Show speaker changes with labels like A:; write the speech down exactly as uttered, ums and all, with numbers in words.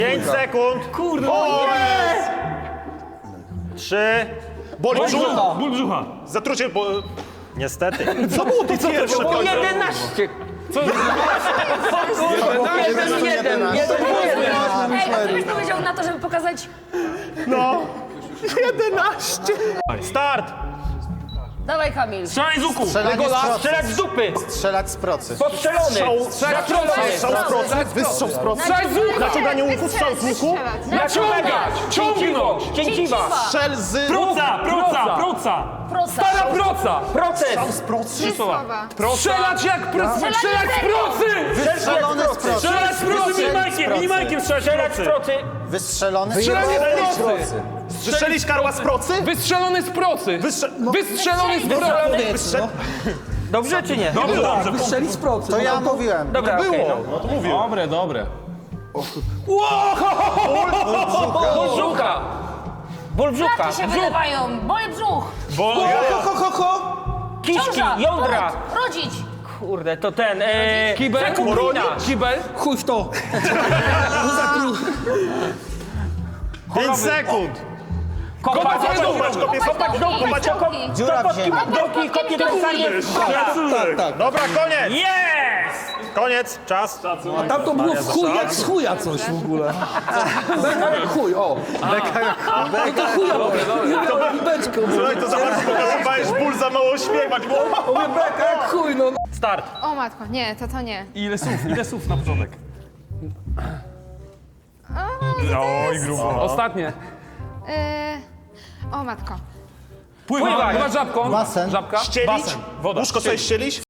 A: pięć sekund.
B: Kurde,
A: O,
B: nie!
A: trzy.
C: Boli brzucha.
B: Ból brzucha.
C: Zatrucie, bo...
A: Niestety.
C: Co było to pierwsze?
B: O jedenaście. Co? Jeden, jeden, jeden, jeden.
D: Ej, a ktoś powiedział na to, żeby pokazać...
C: jedenaście.
A: Start.
D: Dawaj, Kamil.
B: Strzelaj z łuku.
E: Strzelanie z
B: Legolas,
E: procy.
B: strzelać z dupy.
E: Strzelać z procy.
B: Podstrzelony.
C: Strzał,
B: Zatrącony.
C: strzał z procy, wystrzał z procy.
B: Strzelać z łuka.
C: Naciąganie łuku, strzał z łuku.
B: Naciągać. Ciągnąć. Cięciwa.
E: Strzel z...
B: Proca, proca, proca.
D: Prosta.
B: Stara proca. Proces.
C: Z procy.
D: Trzy słowa.
B: Strzelać jak procy. Strzelać z procy.
E: Wystrzelony z procy.
B: Strzelać z procy. Minimajkiem, minimajkiem strzelać z procy.
E: Wystrzelony z
B: Strzelanie
E: procy.
B: z procy.
C: Strzelić karła z procy?
B: Wystrzelony z procy.
C: Wystrze...
B: Wystrzelony z procy.
C: Wystrze...
B: Dobrze czy nie?
A: Dobrze, dobrze.
F: Wystrzelić z procy.
E: To ja mówiłem.
B: Dobra, okej.
C: No to mówię.
B: Dobre, dobre. Ból brzucha. Ból brzucha.
D: Plaki się
B: Brzuch.
D: wylewają. Boli brzuch.
A: Bo
F: Ho, ho, ho!
B: Kiszki,
D: Ciąża.
B: jądra.
D: Poród. Rodzić.
B: Kurde, to ten. E,
F: Kibel?
B: Fekublina. Kibel.
F: Chuj w to.
A: pięć sekund.
B: Kopać
C: Kopać
B: do
C: do
B: dołu.
C: dołu, kopać
B: Kopać do dołu.
D: Kopać dołu.
E: Dziura w ziemi.
B: Dołki, kopie do sali.
F: Tak, tak.
A: Dobra, koniec.
B: Yes!
A: Koniec, czas.
F: A tam to było w chuj jak z chuja coś w ogóle. Beka jak chuj, o. Beka jak chuj. No to chuja, chuja beczkę.
C: Słuchaj, to za bardzo pokazywałeś ból, za mało śpiewać. Bo...
F: Mówię beka jak chuj, no.
A: Start.
G: O matko, nie, to to nie.
B: Ile słów, ile słów na początek?
A: Oj, grubo.
B: Ostatnie.
G: Yy, o matko.
B: Pływaj. Chyba żabką.
E: Basen.
B: Żabka.
C: Ścielić? Łóżko coś ścielić?